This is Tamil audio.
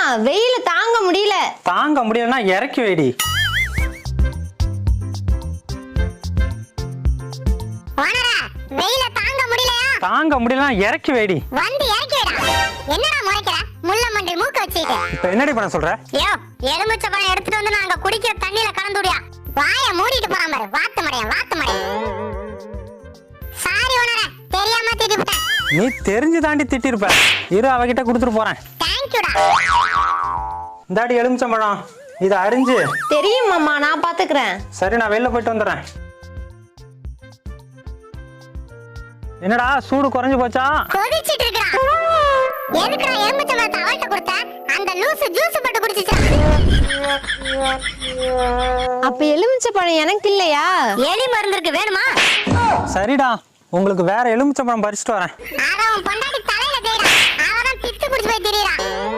வெயில தாங்க முடியல. தாங்க முடியலன்னா இறக்கி வைடி. ஓனரா, வெயில தாங்க முடியலையா? தாங்க முடியலன்னா இறக்கி வைடி. வந்து இறக்கி விடா. என்னடா முறைக்கிற? முள்ள மண்டி மூக்க வச்சிட்டு. இப்ப என்னடி பண்ண சொல்ற? யோ, எலுமிச்சை பழம் எடுத்துட்டு வந்து நாங்க குடிக்கிற தண்ணியில கலந்து விடியா. வாயை மூடிட்டு போறான் பாரு. வாத்து மடையா. சாரி ஓனரா, தெரியாம திட்டிவிட்டேன். நீ தெரிஞ்சு தாண்டி திட்டிருப்ப. இரு, அவகிட்ட கொடுத்துட்டு போறேன். தேங்க்யூடா. இந்தாடி எலுமிச்சம்பழம், இதை அரிஞ்சு. தெரியும் மாமா, நான் பாத்துக்கிறேன். சரி, நான் வெளில போயிட்டு வந்துடுறேன். என்னடா சூடு குறைஞ்சு போச்சா? கொதிச்சிட்டு இருக்கா? எதுக்குடா எலுமிச்சை பழத்தை அவள்கிட்ட கொடுத்த? அந்த லூசு ஜூஸ் போட்டு குடிச்சிச்சா? அப்ப எலுமிச்சை பழம் எனக்கு இல்லையா? எலி மருந்து இருக்கு, வேணுமா? சரிடா, உங்களுக்கு வேற எலுமிச்சம்பழம் பறிச்சுட்டு வரேன். அத உன் பொண்டாட்டி தலையில தேய்டா. அவதான் பித்து குடிச்சு போய் திரியறா.